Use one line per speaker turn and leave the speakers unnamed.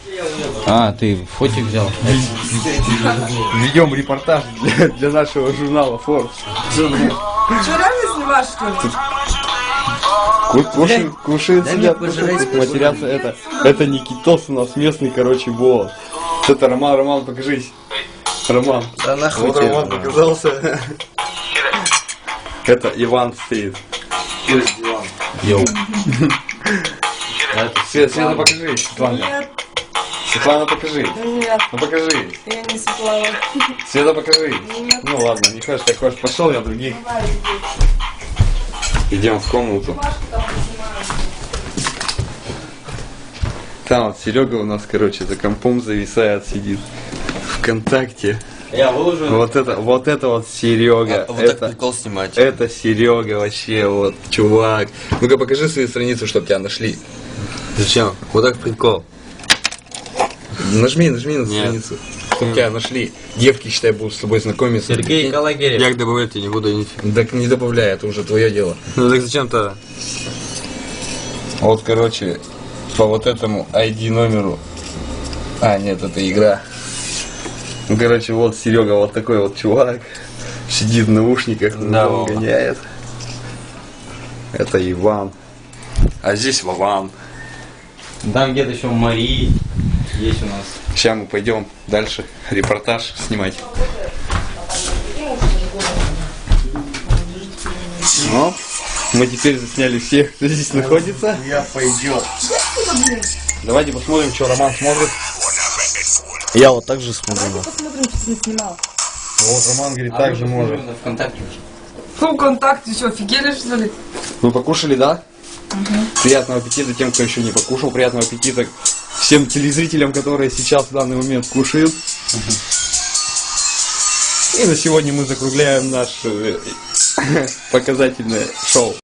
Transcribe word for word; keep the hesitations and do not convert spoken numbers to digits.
А, ты фотик взял?
Ведем репортаж для, для нашего журнала Forbes.
Что, реально снимаешь, что ли?
Ку- Кушают, кушают,
дай
сидят,
мне пожрать,
тут матерятся. Это, это Никитос у нас местный, короче, босс. Это Роман, Роман, покажись. Роман.
Да нахуй
Вот
тебе,
Роман
Роман.
показался. Это Иван стоит.
Йоу.
Света, Света, покажись. Светлана.
Нет,
Светлана, покажись.
нет,
Ну покажись.
я не Светлана.
Света, покажись.
Нет.
Ну ладно, не хочешь, так хочешь, пошел я других. Идем в комнату. Там вот Серега у нас, короче, за компом зависает, сидит. ВКонтакте.
Я выложу.
Вот это, вот это вот Серега.
А, вот так
это,
прикол снимать.
это Серега вообще, вот, чувак. Ну-ка покажи свою страницу, чтобы тебя нашли.
Зачем? Вот так прикол.
Нажми, нажми на
Нет.
страницу. Чтобы тебя нашли. Девки, считай, будут с тобой знакомиться.
Сергей Калагерев.
Як добавлять я не буду нифига.
Так не добавляй, это уже твое дело.
Ну так зачем-то?
Вот, короче, по вот этому ай ди номеру. А, нет, это игра. Ну, короче, вот Серега, вот такой вот чувак. Сидит в наушниках,
Да,
он
Вова.
гоняет. Это Иван. А здесь Вован.
Там где-то еще Марии есть у нас.
Сейчас мы пойдем дальше репортаж снимать. Ну, мы теперь засняли всех, кто здесь находится.
Я пойдет.
Давайте посмотрим, что Роман смотрит.
Я вот так же смотрю.
Посмотрим, что ты снимал.
Вот Роман говорит, так же может.
ВКонтакте.
Фу, ВКонтакте, что, офигели, что ли?
Вы покушали, да? Приятного аппетита тем, кто еще не покушал. Приятного аппетита всем телезрителям, которые сейчас в данный момент кушают. И на сегодня мы закругляем наше показательное шоу.